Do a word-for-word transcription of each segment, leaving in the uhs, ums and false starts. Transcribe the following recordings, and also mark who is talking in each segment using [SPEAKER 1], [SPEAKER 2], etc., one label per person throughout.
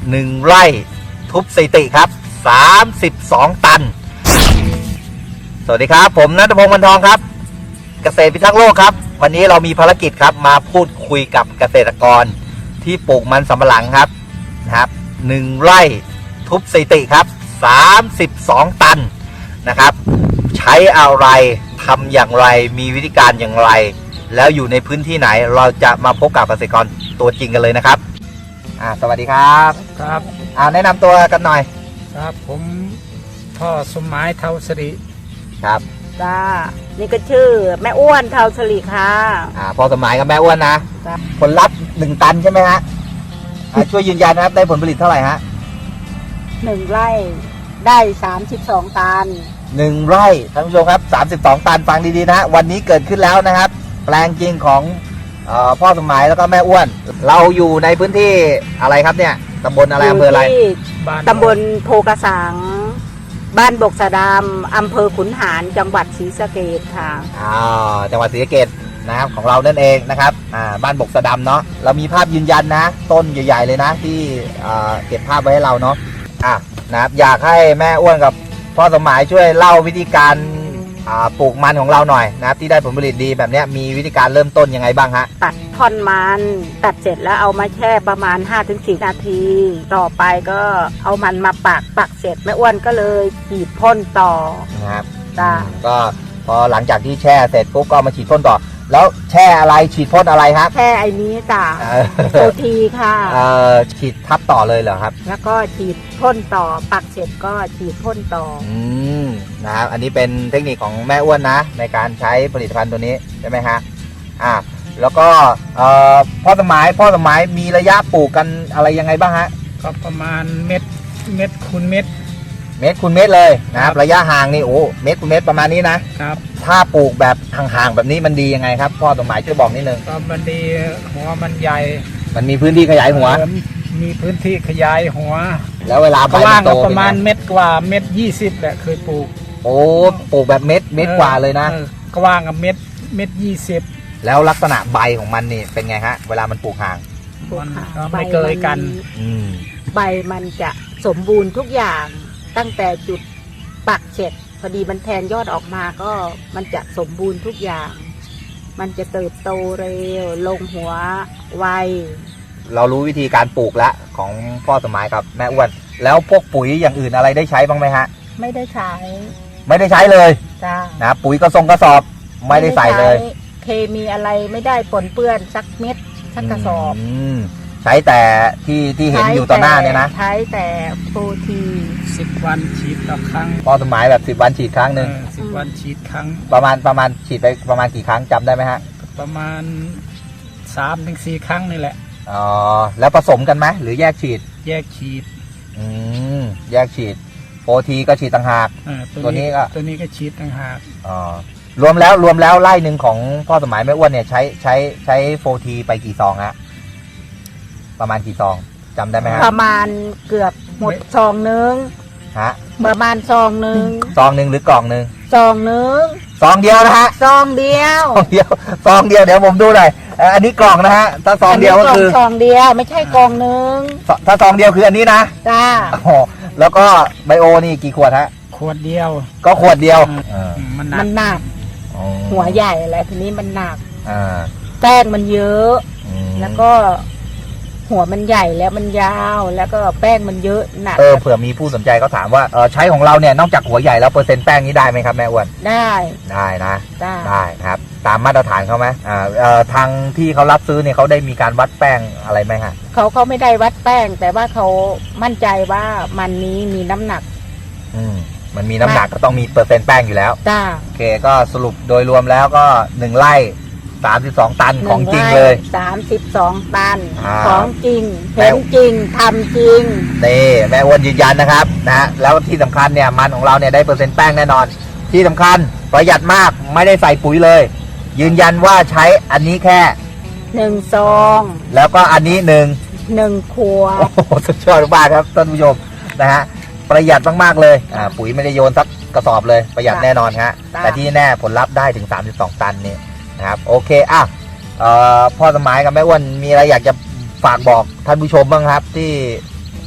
[SPEAKER 1] หนึ่งไร่ทุบสถิติครับสามสิบสองตันสวัสดีครับผมณัฐพงษ์ วรรณทองครับเกษตรพิทักษ์โลกครับวันนี้เรามีภารกิจครับมาพูดคุยกับเกษตรกรที่ปลูกมันสำปะหลังครับนะครับหนึ่งไร่ทุบสถิติครับสามสิบสองตันนะครับใช้อะไรทำอย่างไรมีวิธีการอย่างไรแล้วอยู่ในพื้นที่ไหนเราจะมาพบกับเกษตรกรตัวจริงกันเลยนะครับอ่าสวัสดีครับ
[SPEAKER 2] ครับ
[SPEAKER 1] อ่าแนะนำตัวกันหน่อย
[SPEAKER 2] ครับผมพ่อสมหมายเทาสิริ
[SPEAKER 1] ครับ
[SPEAKER 3] จ้านี่ก็ชื่อแม่อ้วนเทาสิริค่ะ
[SPEAKER 1] อ่าพ่อสมหมายกับแม่อ้วนนะผลลัพธ์หนึ่งตันใช่ไหมฮะช่วยยืนยันนะครับได้ผลผลิตเท่าไหร่ฮะ
[SPEAKER 3] หนึ่งไร่ได้สามสิบสองตัน
[SPEAKER 1] หนึ่งไร่ท่านผู้ชมครับสามสิบสองตันฟังดีๆนะวันนี้เกิดขึ้นแล้วนะครับแปลงจริงของเอ่อพ่อสมหมายแล้วก็แม่อ้วนเราอยู่ในพื้นที่อะไรครับเนี่ยตำบลอะไรอำเภออะไร
[SPEAKER 3] ตำบลโพกระสังบ้านบกสะดามอำเภอขุนหารจังหวัดศรีสะเกษค่ะ
[SPEAKER 1] อ่าจังหวัดศรีสะเกษนะครับของเรานั่นเองนะครับอ่าบ้านบกสะดามเนาะเรามีภาพยืนยันนะต้นใหญ่ๆเลยนะที่อ่าเก็บภาพไว้ให้เราเนาะอ่ะนะครับอยากให้แม่อ้วนกับพ่อสมหมายช่วยเล่าวิธีการปลูกมันของเราหน่อยนะครับที่ได้ผลผลิตดีแบบนี้มีวิธีการเริ่มต้นยังไงบ้างฮะ
[SPEAKER 3] ตัดท่อนมันตัดเสร็จแล้วเอามาแช่ประมาณ ห้าถึงสี่ นาทีต่อไปก็เอามันมาปักปักเสร็จแม่อ้วนก็เลยฉีดพ่นต่อ
[SPEAKER 1] นะครับ
[SPEAKER 3] จ้า
[SPEAKER 1] ก็พอหลังจากที่แช่เสร็จปุ๊บก็มาฉีดพ่นต่อแล้วแช่อะไรฉีดพ่นอะไรครับ
[SPEAKER 3] แช่ไอ้นี้จ้าโอทีค่ะ
[SPEAKER 1] เอ่อฉีดทับต่อเลยเหรอครับ
[SPEAKER 3] แล้วก็ฉีดพ่นต่อปักเสร็จก็ฉีดพ่นต่อ
[SPEAKER 1] อืมนะครับอันนี้เป็นเทคนิคของแม่อ้วนนะในการใช้ผลิตภัณฑ์ตัวนี้ใช่ไหมฮะอ่าแล้วก็เอ่อพ่อสมัยพ่อสมัยมีระยะปลูกกันอะไรยังไงบ้างฮะ
[SPEAKER 2] ก็ประมาณเม็ดเม็ดคูณเม็ด
[SPEAKER 1] เม็ดคูณเม็ดเลยนะครับระยะห่างนี่โอ้เม็ดคูณเม็ดประมาณนี้นะครับถ้าปลูกแบบห่างๆแบบนี้มันดียังไงครับพ่อสมัยช่วยบอกนิดนึง
[SPEAKER 2] ก็มันดีหัวมันใหญ่
[SPEAKER 1] มันมีพื้นที่ขยายหัว
[SPEAKER 2] มีพื้นที่ขยายหัว
[SPEAKER 1] แล้วเวลาใบ
[SPEAKER 2] มันโตประมาณเม็ดกว่าเม็ดยี่สิบแหละเคยปลูก
[SPEAKER 1] โอ้ปลูกแบบเม็ดเม็ดกว่าเลยนะ
[SPEAKER 2] กว้างกับเม็ดเม็ดยี่สิบ
[SPEAKER 1] แล้วลักษณะใบของมันนี่เป็นไงฮะเวลามันปลูกห่าง
[SPEAKER 2] มันก็ไม่เกยกัน
[SPEAKER 3] ใบมันจะสมบูรณ์ทุกอย่างตั้งแต่จุดปักเสร็จพอดีมันแทนยอดออกมาก็มันจะสมบูรณ์ทุกอย่างมันจะเติบโตเร็วลงหัวไว
[SPEAKER 1] เรารู้วิธีการปลูกแล้วของพ่อสมัยกับแม่อ้วนแล้วพวกปุ๋ยอย่างอื่นอะไรได้ใช้บ้างไหมฮะ
[SPEAKER 3] ไม่ได้ใช้
[SPEAKER 1] ไม่ได้ใช้เลย
[SPEAKER 3] จ้า
[SPEAKER 1] นะปุ๋ยกระสงกระสอบไม่ได้ใส่เลย
[SPEAKER 3] เคมีอะไรไม่ได้ปนเปื้อนสักเม็ดสักกระสอบ
[SPEAKER 1] ใช้แต่ที่ที่เห็นอยู่ต่อหน้าเนี่ยนะ
[SPEAKER 3] ใช้แต่โปรตี
[SPEAKER 2] สิบวันฉีดต่อครั้ง
[SPEAKER 1] พ่อสมัยแบบสิบวันฉีดครั้งหนึ่ง
[SPEAKER 2] สิบวันฉีดครั้ง
[SPEAKER 1] ประมาณประมาณฉีดไปประมาณกี่ครั้งจำได้ไหมฮะ
[SPEAKER 2] ประมาณสามถึงสี่ครั้งนี่แหละ
[SPEAKER 1] อ๋อแล้วผสมกันไหมหรือแยกฉีด
[SPEAKER 2] แยกฉีด
[SPEAKER 1] อืมแยกฉีดโปรทีก็ฉีดต่างหาก
[SPEAKER 2] ตัวนี้ก็ตัวนี้ก็ฉีดต่างหาก
[SPEAKER 1] อ๋อรวมแล้วรวมแล้วไร่หนึ่งของพ่อสมัยแม่อ้วนเนี่ยใช้ใช้ใช้โฟทีไปกี่ซองฮะประมาณกี่ซองจำได้ไหมฮะ
[SPEAKER 3] ประมาณเกือบหมดซองนึง
[SPEAKER 1] ฮะ
[SPEAKER 3] ประมาณซองนึง
[SPEAKER 1] ซองนึงหรือกล่องนึง
[SPEAKER 3] ซองนึง
[SPEAKER 1] ซองเดียวนะฮะ
[SPEAKER 3] ซองเดียว
[SPEAKER 1] ซองเดียวซองเดียวเดี๋ยวผมดูหน่อยอันนี้กล่องนะฮะถ้าซองเดียวก็คือ
[SPEAKER 3] ซองเดียวไม่ใช่กล่องนึง
[SPEAKER 1] ถ้าซองเดียวคืออันนี้นะ
[SPEAKER 3] จ้า
[SPEAKER 1] อ๋อแล้วก็ไบโอนี่กี่ขวดฮะ
[SPEAKER 2] ขวดเดียว
[SPEAKER 1] ก็ขวดเดียว
[SPEAKER 3] มันหนักหัวใหญ่อะไรทีนี้มันหนักแป้งมันเยอะแล้วก็หัวมันใหญ่แล้วมันยาวแล้วก็แป้งมันเยอะหนัก
[SPEAKER 1] เออเผื่อมีผู้สนใจก็ถามว่าเออใช้ของเราเนี่ยนอกจากหัวใหญ่แล้วเปอร์เซ็นต์แป้งนี้ได้ไหมครับแม่อ้วน
[SPEAKER 3] ได้
[SPEAKER 1] ได้นะได้ได้ครับตามมาตรฐานเขาไหมอ่าเอ่อทางที่เขารับซื้อเนี่ยเขาได้มีการวัดแป้งอะไรไหมฮะ
[SPEAKER 3] เขาเขาไม่ได้วัดแป้งแต่ว่าเขามั่นใจว่ามันนี้มีน้ำหนัก
[SPEAKER 1] อืมมันมีน้ำหนักก็ต้องมีเปอร์เซ็นต์แป้งอยู่แล้ว
[SPEAKER 3] จ้า
[SPEAKER 1] โอเคก็สรุปโดยรวมแล้วก็หนึ่งไร่สามสิบสองตันของจริงเลย
[SPEAKER 3] สามสิบสองตันของจริงเห็นจริงทำจริง
[SPEAKER 1] นี่แม่อ้วนยืนยันนะครับนะฮะแล้วที่สำคัญเนี่ยมันของเราเนี่ยได้เปอร์เซ็นต์แป้งแน่นอนที่สำคัญประหยัดมากไม่ได้ใส่ปุ๋ยเลยยืนยันว่าใช้อันนี้แค่
[SPEAKER 3] หนึ่งซอง
[SPEAKER 1] แล้วก็อันนี้หนึ่ง
[SPEAKER 3] หนึ่งขวด
[SPEAKER 1] โอ้โหสุดยอดมากครับท่านผู้ชมนะฮะประหยัดมากๆเลยอ่าปุ๋ยไม่ได้โยนสักกระสอบเลยประหยัดแน่นอนฮะแต่ที่แน่ผลลัพธ์ได้ถึงสามสิบสองตันนี่นะครับโอเคอ่ะพ่อสมัยกับแม่อ้วนมีอะไรอยากจะฝากบอกท่านผู้ชมบ้างครับที่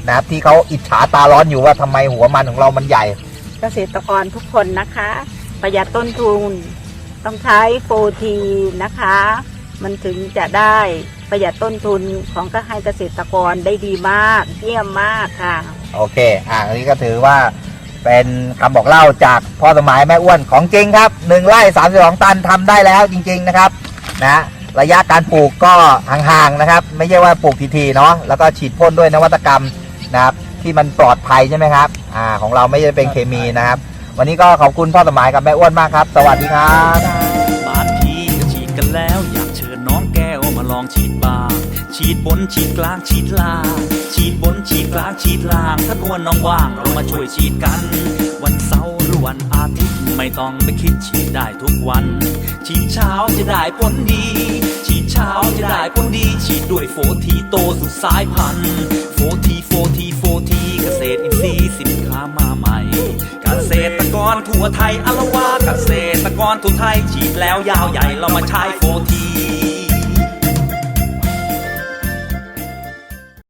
[SPEAKER 1] นะครับที่เขาอิจฉาตาร้อนอยู่ว่าทำไมหัวมันของเรามันใหญ่
[SPEAKER 3] เกษตรกรทุกคนนะคะ ประหยัดต้นทุนต้องใช้โฟทีนะคะ มันถึงจะได้ประหยัดต้นทุนของก็ให้เกษตรกรได้ดีมากเยี่ยมมากค่ะ
[SPEAKER 1] โอเค อ่าอันนี้ก็ถือว่าเป็นคำบอกเล่าจากพ่อสมัยแม่อ้วนของจริงครับหนึ่งไร่สามสิบสองตันทำได้แล้วจริงๆนะครับนะระยะการปลูกก็ห่างๆนะครับไม่ใช่ว่าปลูกทีๆเนาะแล้วก็ฉีดพ่นด้วยนวัตกรรมนะครับที่มันปลอดภัยใช่ไหมครับอ่าของเราไม่ได้เป็นเคมีนะครับวันนี้ก็ขอบคุณพ่อสมัยกับแม่อ้วนมากครับสวัสดีครับ
[SPEAKER 4] บางทีก็ฉีดกันแล้วอยากเชิญน้องแก้วมาลองฉีดบ้างฉีดบนฉีดกลางฉีดล่างฉีดบนฉีดกลางฉีดล่างถ้าตัวน้องว่างเรามาช่วยฉีดกัน วันเสาร์หรือวันอาทิตย์ไม่ต้องไปคิดฉีดได้ทุกวันฉีดเช้าจะได้ผลดีฉีดเช้าจะได้ผลดีฉีดด้วยโฟทีโตสุดสายพันธุ์โฟทีโฟทีโฟทีเกษตรอินทรีย์สินค้ามาใหม่เกษตรกรทั่วไทยอารวาเกษตรกรทั่วไทยฉีดแล้วยาวใหญ่เรามาใช้โฟที